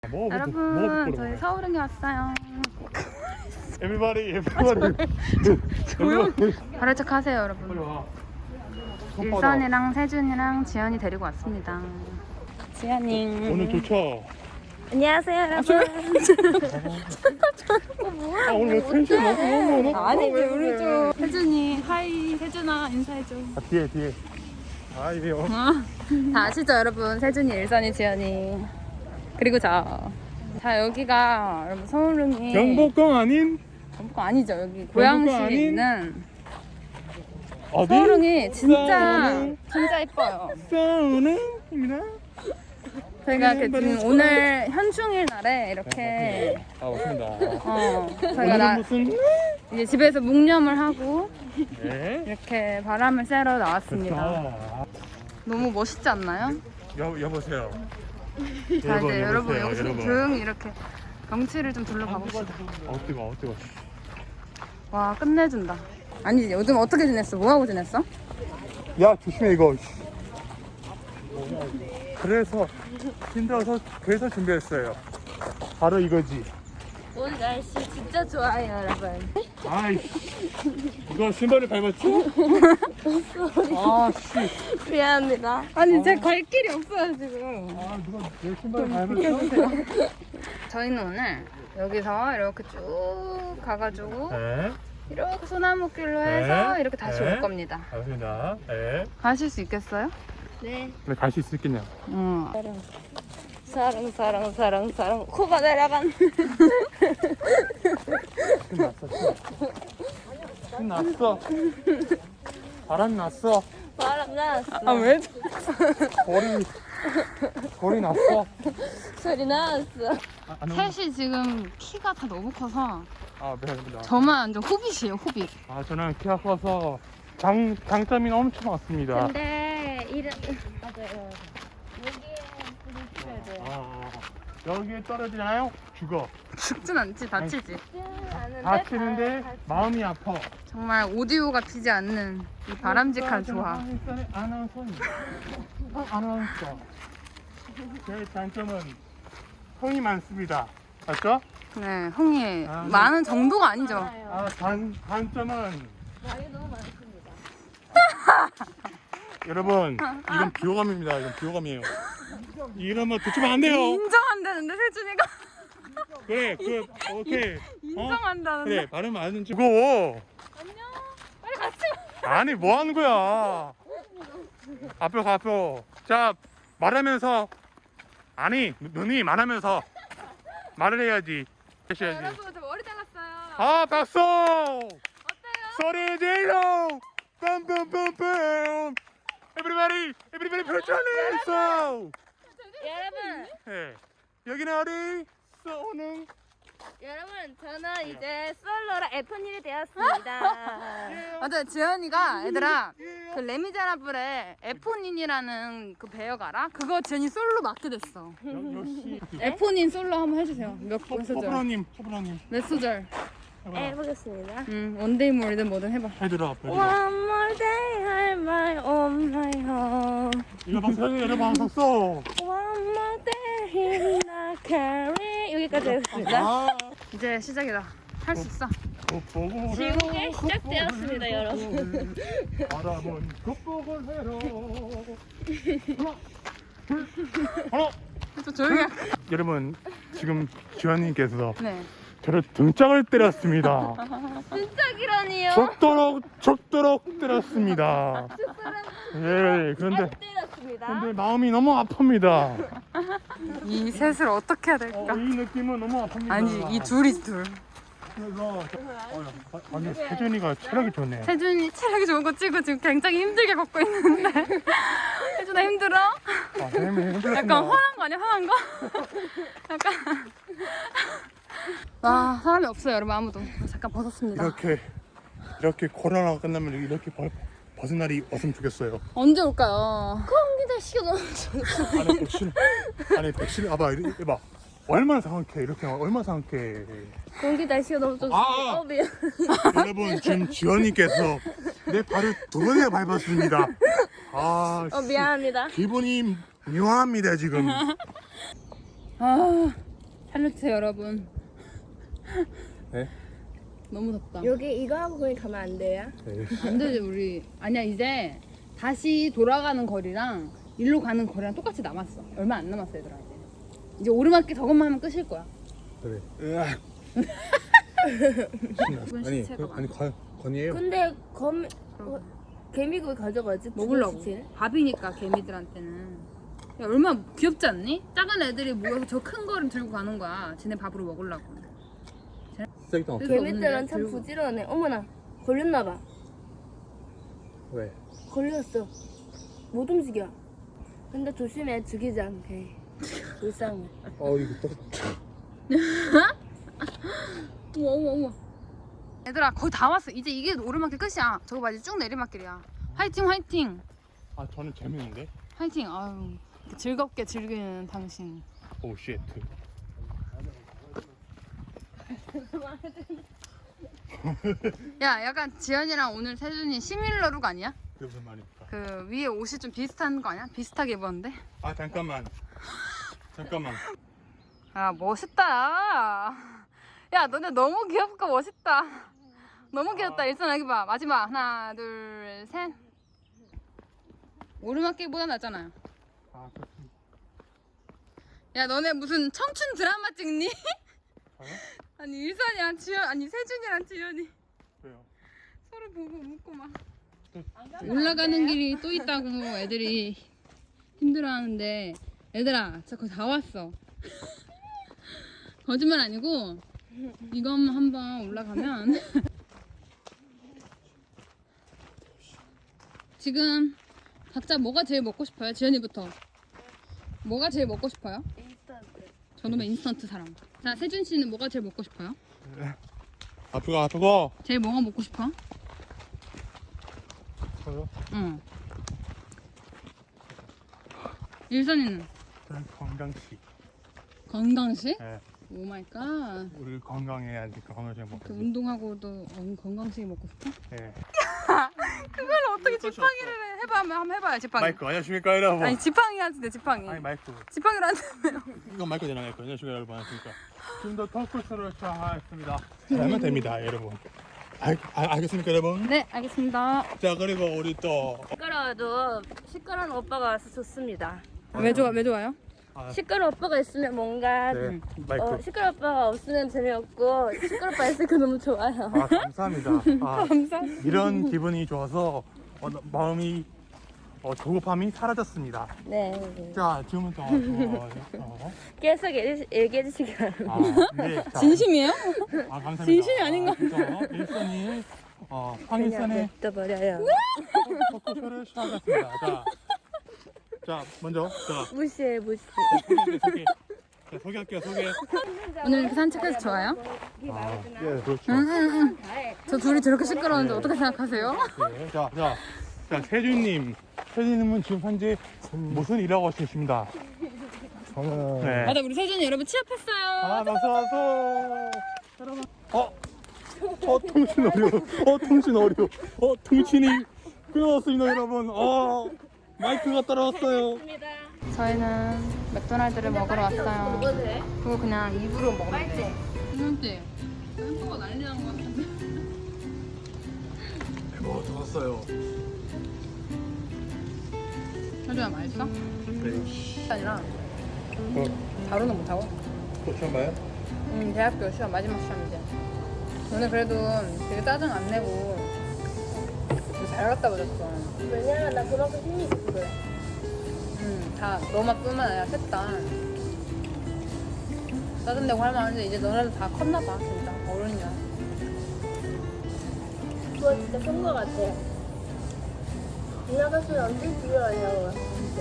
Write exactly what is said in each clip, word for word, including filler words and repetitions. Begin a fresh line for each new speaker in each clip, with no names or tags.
뭐,
여러분, 저희 서울행에 왔어요.
Everybody, everybody.
조용. 바로 척 하세요, 여러분.
빨리 와.
일선이랑 세준이랑 지연이 데리고 왔습니다. 지연이.
오늘 좋죠?
안녕하세요, 여러분.
아, 오늘 왜 텐션 너무 너무 너무
아니지, 우리 좀. 세준이, 하이, 세준아, 인사해줘.
아, 뒤에 뒤에. 아, 이게요.
어, 다 아시죠, 여러분? 세준이, 일선이, 지연이. 그리고 저. 자, 여기가 여러분 서울릉이
경복궁 아닌
경복궁 아니죠. 여기 고양시에
아닌?
있는
어디?
서울릉이 진짜
서울릉.
진짜 예뻐요.
서울릉입니다.
저희가 그 지금 오늘 현충일 날에 이렇게
아, 맞습니다.
어 저희가
오늘은
나
무슨?
이제 집에서 묵념을 하고
네.
이렇게 바람을 쐬러 나왔습니다.
아,
너무 멋있지 않나요?
여 여보세요.
자 이제 여러분
여보세요,
여기서
여러분.
조용히 이렇게 경치를 좀 둘러봐 봅시다.
어, 뜨거, 어, 뜨거.
와 끝내준다. 아니지 요즘 어떻게 지냈어? 뭐 하고 지냈어?
야, 조심해 이거. 그래서 힘들어서 그래서 준비했어요. 바로 이거지.
오늘 날씨 진짜 좋아요, 여러분.
아이, 이거 신발을 밟았지? 아, 씨.
미안합니다.
아니 제 갈 길이 없어요 지금.
아, 누가 내 신발을 밟았어?
저희는 오늘 여기서 이렇게 쭉 가가지고
네,
이렇게 소나무길로 해서
네.
이렇게 다시
네.
올 겁니다.
알겠습니다. 네.
가실 수 있겠어요?
네.
근데 갈 수 있겠냐?
응.
사랑, 사랑, 사랑, 사랑. 코가 내려간.
신났어. 신났어. 바람 났어.
바람 났어.
아 왜?
거리 거리 났어.
소리 났어.
아, 안 오네.
셋이 지금 키가 다 너무 커서
아, 미안합니다.
저만 완전 호빗이에요 호빗.
아, 저는 키가 커서 장 장점이 엄청 많습니다.
근데 이런 맞아요. 여기에 불을 켜야 돼요.
아, 여기에 떨어지나요? 죽어.
죽진 않지 다치지.
아는데
다치는데
다-
마음이 아파.
정말 오디오가 튀지 않는 이 바람직한 조화.
한국의 아나운서입니다. 어, 아나운서. 제 장점은 흥이 많습니다. 맞죠?
네, 흥이
아, 네.
많은 정도가 아니죠.
아, 단 단점은
말이 너무 많습니다.
여러분, 이건 비호감입니다. 이건 비호감이에요. 이러면 듣지면 안 돼요.
인정한다는데 세준이가
그래, 그 오케이. 어?
인정한다는데.
그래, 발음 안 죽어.
빨리 같이.
아니, 뭐 하는 거야? 앞으로 가, 앞으로. 자, 말하면서 아니, 눈이 말하면서 말을 해야지. 해야지.
여러분 저 머리 잘랐어요.
아, 박수!
어때요?
소리 질러! 빰빰빰빰! Everybody, everybody, 표정이
여러분,
네. 여기는 어디? 쏘는.
여러분, 저는 이제 솔로라 에프일이 되었습니다.
맞아요. 지연이가 얘들아 그 레미제라블의 에포닌이라는 그 배역 알아? 그거 지연이 솔로 맡게 됐어.
역시.
에포닌 솔로 한번 해주세요. 몇 소절?
호불호님, 호불호님.
몇 소절?
해보겠습니다.
응, 원데이 몰든 뭐든 해봐.
해드라, 해드라.
One more day, I'm my own my home.
이거 방송, 이거 방송 써.
One more day in the carry. 여기까지 하겠습니다.
아,
이제 시작이다. 할 수 있어.
겉보고
지옥에 시작되었습니다, 여러분.
바람은 겉보고 해라. 하나, 둘, 하나.
좀 조용히 해.
여러분, 지금 지환님께서
네.
저를 등짝을 때렸습니다.
진짜기라니요.
적도록 적도록 때렸습니다. 예, 그런데
때렸습니다.
근데 마음이 너무 아픕니다.
이 셋을 어떻게 해야
어,
될까?
이 느낌은 너무 아픕니다.
아니 이 둘이 둘.
그래서 어, 아니 세준이가 체력이 좋네.
세준이 체력이 좋은 거 치고 지금 굉장히 힘들게 걷고 있는데 세준아 힘들어?
아, 쌤이 힘들었습니다.
약간 화난 거 아니야? 화난 거? 약간 와 사람이 없어요 여러분 아무도. 잠깐 벗었습니다.
이렇게 이렇게 코로나가 끝나면 이렇게 벗, 벗은 날이 왔으면 좋겠어요.
언제 올까요?
공기 날씨가 너무 좋아.
아니 백신 아니 백신 봐봐 이봐 얼마나 상쾌해 이렇게 얼마나 상쾌해.
공기 날씨가 너무 좋습니다.
아!
어, 미안.
여러분 지금 지원님께서 내 발을 두 번이나 밟았습니다. 아,
어,
씨,
미안합니다.
기분이 묘합니다 지금.
아 살려주세요 여러분.
네?
너무 덥다.
여기 이거 하고 거기 가면 안 돼요?
네.
안 되지 우리. 아니야 이제 다시 돌아가는 거리랑 일로 가는 거리랑 똑같이 남았어. 얼마 안 남았어 얘들아. 이제 이제 오르막길 저것만 하면 끝일 거야.
그래. 으악. 아니, 그, 아니 건 건이에요.
근데 검 어, 개미굴 가져가지?
먹으려고.
부채?
밥이니까 개미들한테는. 야, 얼마나 귀엽지 않니? 작은 애들이 모여서 저 큰 거를 들고 가는 거야. 지네 밥으로 먹으려고.
쓰레기통 없어.
개미들은 참
들고.
부지런해. 어머나 걸렸나봐.
왜?
걸렸어. 못 움직여. 근데 조심해 죽이지 않게. 불쌍해.
어 이거 또.
어머 어머 어머. 얘들아 거의 다 왔어. 이제 이게 오르막길 끝이야. 저거 봐 이제 쭉 내리막길이야. 화이팅 화이팅
아 저는 재밌는데.
화이팅. 아유 즐겁게 즐기는 당신.
오 쉣.
야 약간 지연이랑 오늘 세준이 시밀러룩 아니야?
그게 무슨 말입니까?
그 위에 옷이 좀 비슷한 거 아니야? 비슷하게 입었는데?
아 잠깐만. 잠깐만.
아 멋있다. 야 너네 너무 귀엽고 멋있다. 너무 귀엽다. 일선 여기 봐. 마지막 하나 둘 셋. 오르막길보다 낫잖아요.
아 좋습니다.
야 너네 무슨 청춘 드라마 찍니?
저요?
아니 일선이랑 지연 아니 세준이랑 지연이
왜요?
서로 보고 웃고 막
또,
올라가는 길이 또 있다고 애들이 힘들어하는데 얘들아 저 거의 다 왔어. 거짓말 아니고 이것만 한번 올라가면 지금 각자 뭐가 제일 먹고 싶어요? 지연이부터 뭐가 제일 먹고 싶어요?
인스턴트.
저놈의 인스턴트 사랑. 자 세준 씨는 뭐가 제일 먹고 싶어요?
아프고 아프고.
제일 뭐가 먹고 싶어?
저요?
응. 일선이는
저는 건강식.
건강식?
네.
오 마이 갓.
우리 건강해야지 건강식 먹고.
그 운동하고도 건- 건강식 먹고 싶어?
네.
그걸 어떻게 지팡이를 해? 해봐 한번 한번 해봐요 지팡이.
마이크 안녕하십니까 여러분.
아니 지팡이 하는데 지팡이.
아니 마이크.
지팡이로 한다며요.
이건 마이크 대장했거든요. 안녕하십니까 여러분. 안녕하십니까. 지금도 토크쇼를 시작하겠습니다. 하면 됩니다 여러분. 알, 알, 알겠습니까 여러분?
네 알겠습니다.
자 그리고 우리 또
시끄러워도 시끄러운 오빠가 와서 좋습니다.
왜 좋아 왜 좋아요?
아,
시끄러운 오빠가 있으면 뭔가
네, 마이크.
어, 시끄러운 오빠가 없으면 재미없고 시끄러운 오빠 있으니까 너무 좋아요.
아 감사합니다. 아,
감사합니다.
이런 기분이 좋아서 어, 마음이 어, 조급함이 사라졌습니다.
네.
자 지금은 또 어, 어,
계속 얘기- 얘기해 주시기 바랍니다.
아, 네, 자,
진심이에요?
아, 감사합니다.
진심이 아닌 거
아, 일선이 어,
그냥
황일선의
냅둬버려요.
토크쇼를 시작하겠습니다. 자, 자 먼저 자
무시해 무시.
소개 소개 자, 소개할게요 소개.
오늘 이렇게 산책해서 좋아요?
아, 예 그렇죠.
응응응. 저 둘이 저렇게 시끄러운데 어떻게 생각하세요?
네, 자, 자, 자, 세준님. 세준님은 지금 현재 무슨 일하고 계십니다?
저는
네.
맞아 우리 세준이 여러분 취업했어요.
아, 박수, 박수. 여러분. 어, 어, 통신 어려. 어, 통신 어려. 어, 통신이 끊어졌습니다, 여러분. 어, 마이크가 따라왔어요.
저희는 맥도날드를 먹으러 왔어요.
먹어도 돼?
그거 그냥 입으로 먹으면
맛있지?
돼. 이런데 햄버거 난리 난거 같은데.
뭐 들었어요?
세준아 맛있어?
네.
아니라
어,
바로는 못하고.
또 처음 봐요?
응 대학교 시험 마지막 시험이지. 오늘 그래도 되게 짜증 안 내고 잘 갔다 오셨어.
왜냐면 나 그만큼 힘이 있어 그래.
응, 다 너만 뿐만 아니라 셋 다 짜증내고 할 만한데 이제 너네도 다 컸나 봐 진짜 어른이야.
그거 진짜 큰 거 같아. 지나갔으면 언제 집에 가냐고.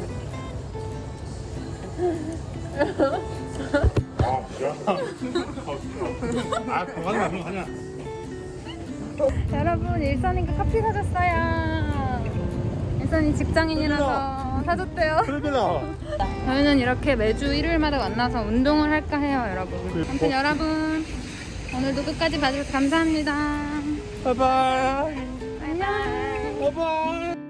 아, 시원하다. 아, 그만하자, 그만하자.
여러분 일선이가 커피 사줬어요. 일선이 직장인이라서 사줬대요.
그러잖아.
저희는 이렇게 매주 일요일마다 만나서 운동을 할까 해요 여러분. 아무튼 여러분 오늘도 끝까지 봐주셔서 감사합니다.
바이바이.
안녕.
바이바이.